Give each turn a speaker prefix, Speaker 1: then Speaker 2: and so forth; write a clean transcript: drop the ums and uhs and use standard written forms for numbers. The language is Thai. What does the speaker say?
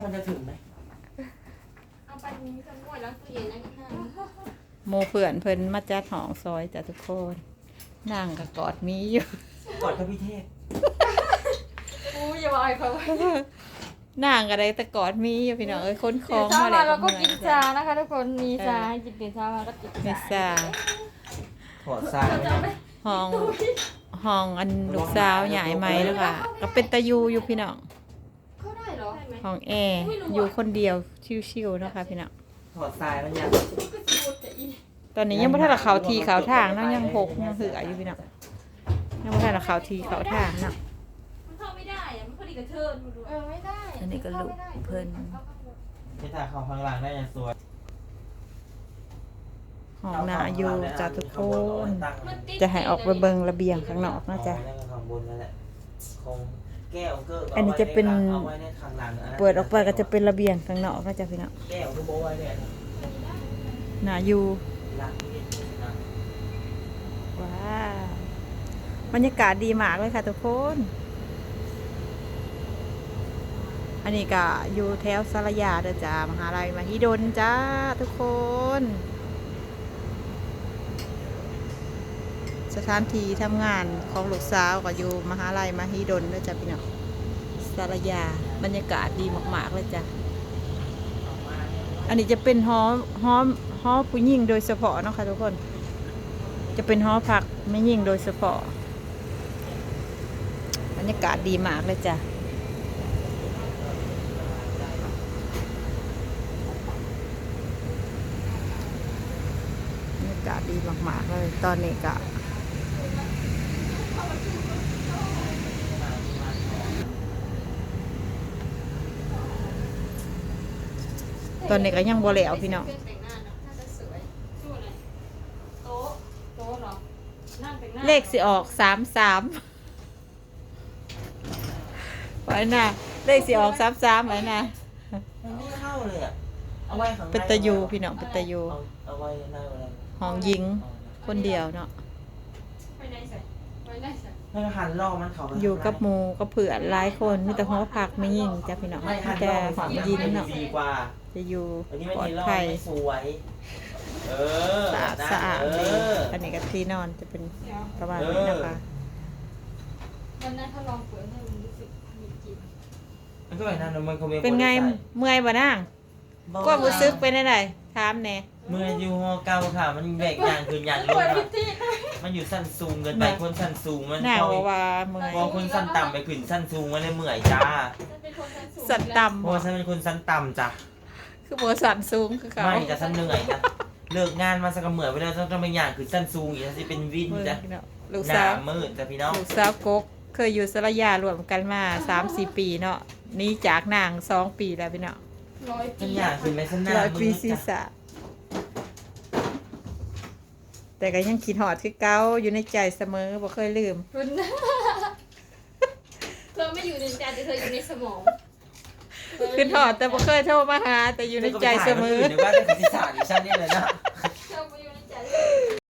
Speaker 1: มันจะถึงไหม
Speaker 2: เอาไปนี้จะง่วยแล้วตู้เย็นนะที่ห้า
Speaker 3: โมเพื่อนเพิ่นมาจัดหองซอยจ้ะทุกคนนั่งกับกอดมีอยู่
Speaker 1: ก่อนพระพิเทพ
Speaker 2: อู้อย่าบอกไอ้เขา
Speaker 3: นั่งอะไรแต่กอดมีอยู่พี่น้องเอ้ยค้นคลอง
Speaker 2: เช้า
Speaker 3: มา
Speaker 2: มา
Speaker 3: แล้ว
Speaker 2: เราก็กินชานะคะทุกคนมีชาให้กินตื่นเช้ามาก็กิน
Speaker 3: เมษา
Speaker 1: ถอดทรายไว้นะ
Speaker 3: ห้องอันลูกสาวใหญ่ไหมแล้วค่ะก็เป็นตะยูอยู่พี่น้อง
Speaker 2: เข้าได้เหรอ
Speaker 3: ห้องแอร์อยู่คนเดียวชิวๆเนาะคะพี่น้อง
Speaker 1: ถอดทรายมันยัง
Speaker 2: ก็จะพูดแต่อี
Speaker 3: ตอนนี้ยังไม่ทันละเขาทีเขาทางเนาะยังหกยังเหืออยู่พี่น้องยังไม่ทันละเขาทีเขาทางเนาะ
Speaker 2: มันเข้าไม่ได้อะมันพอดีกับเธอไม่ได้
Speaker 3: อันนี้ก็ลูกเพิ่น
Speaker 1: ที่ถ่ายเขาข้างหลังได้ยังสวย
Speaker 3: ห้องนาอยู่จ้ะทุกคนจะให้ออกไปเบิงระเบียงข้างนอกนะจ๊ะ
Speaker 1: ข้างบนนั่นแหละคงแก้วเกิร์
Speaker 3: อันนี้จะเป็น
Speaker 1: เอาไว้ในข้างหลัง
Speaker 3: เปิดออกไปก็จะเป็นระเบียงข้างนอกนะจ๊ะพี่น้อง
Speaker 1: แก้วคือโบไว้เนี่ย
Speaker 3: นาอยู่
Speaker 1: หลังนี่นะ
Speaker 3: ว้าวบรรยากาศดีมากเลยค่ะทุกคน อันนี้ก็อยู่แถวสารยาเด้อจ้ามหาลัยมหิดลจ้าทุกคน สถานที่ทำงานของลูกสาวก็อยู่มหาลัยมหิดลเด้อจ้าพี่น้องสารยาบรรยากาศดีมากๆเลยจ้ะอันนี้จะเป็นหอผู้หญิงโดยเฉพาะเนาะค่ะทุกคน จะเป็นหอพักไม่ยิ่งโดยเฉพาะบรรยากาศดีมากเลยจ้ะบรรยากาศดีมากๆเลยตอนนี้ก็ตอนนี้ก็ยังบ่แล้วพี่น้อง
Speaker 2: แต่งหน้าเนาะน่าจะสวยสู้อะไรโต๊ะเหรอนั่งแต่งหน้า
Speaker 3: เลขสิออก33ไว้นะเลขสิออก33ไว้นะ
Speaker 1: มันไม่เข้าเลยอ่ะเอาไว้ข้างใน
Speaker 3: เป็นตะยูพี่น้องเป็นตะยู
Speaker 1: เอาไว้ในอะไร
Speaker 3: ห้องหญิงคนเดียวเนาะ
Speaker 2: ไปไหนใส่ไปไหนใส่
Speaker 1: ให้หันล่อมันเขาไป
Speaker 3: อยู่กับหมูกับเผื่อนหลายคนมีแต่หอพักไม่ยิ่งจ้ะพี่น้อง
Speaker 1: ไม่หั
Speaker 3: มี
Speaker 1: น
Speaker 3: แต่
Speaker 1: ล่อ
Speaker 3: หอมยิงเนาะ
Speaker 1: ดีกว่า
Speaker 3: จะอยู่
Speaker 1: อันนี้ไม่
Speaker 3: ปลอด
Speaker 1: มีล่อ
Speaker 3: ภัย
Speaker 1: ไม่สวยเออ
Speaker 3: สะอาด
Speaker 1: เอ
Speaker 3: ดี
Speaker 1: อ
Speaker 3: อันนี้ก็ที่นอนจะเป็น
Speaker 2: เดี๋ยว
Speaker 3: ประมาณนี้นะคะ
Speaker 2: วันนั้นถ้าลองเปิดให้มันรู้สึกมีกลิ่น
Speaker 1: มันก็แบบนั้นมันคงมี
Speaker 3: เป็นไงเมื่อยบ่นางก็รู้สึกเป็นได้ถามแหน่
Speaker 1: เมื่ออยู่หอเก่าค่ะ มันแบกอย่างคืนอย่างลง
Speaker 2: เปิด
Speaker 1: ค่ะ
Speaker 2: พิธี
Speaker 1: มันอยู่สั้นสูงเกินไปคนสั้นสูงมัน
Speaker 3: นาง
Speaker 1: พอ
Speaker 3: ว่าเมื่อย
Speaker 1: พอคนสั้นต่ำไปขึ้นสั้นสูงมันเลยเมื่อยจ้า
Speaker 2: จะเป็นคนชั้นสูง
Speaker 3: สัน
Speaker 1: เพ
Speaker 3: ต่ำ
Speaker 1: ราะว่าฉันเป็นคนสั้นต่ำจ้ะ
Speaker 3: คือโมสันสูงคือเขา
Speaker 1: ไม่จะสั้นเหนื่อยนะเลิกงานมาสักเหมื่อยไปแล้วต้องไปอย่างขึ้นสั้นสูงอีกจะเป็นวิน
Speaker 3: เมื่อย
Speaker 1: จ้ะ
Speaker 3: พี่น้องลูก
Speaker 1: หน้า
Speaker 3: สาว
Speaker 1: มืดจ้ะพี่น้อง
Speaker 3: ลูกสาวกกเคยอยู่สระยารวมกันมา 3-4 ปีเนาะหนี่จากนาง2 ปีแล้วพี่เนาะ
Speaker 2: 100
Speaker 1: ฉั
Speaker 2: ปี
Speaker 1: นอยากขึ้นไปฉันหน้า
Speaker 3: ร้อย
Speaker 1: มื
Speaker 3: ปี
Speaker 1: ด
Speaker 3: ศีร
Speaker 1: จ้ะ
Speaker 3: ษะแต่ก็ยังคิดหอดคือเก่าอยู่ในใจเสมอบ่เคยลืม
Speaker 2: คุณเธอไม่อยู่ในใจแต่เธออยู่ในสมอง
Speaker 3: คือหอดแต่บ่เคยโทรมาหา แต่อยู่ในใจเสมอ
Speaker 1: เดี๋ยวว่าแต่ศีรษะดิฉันนี่เลยนะ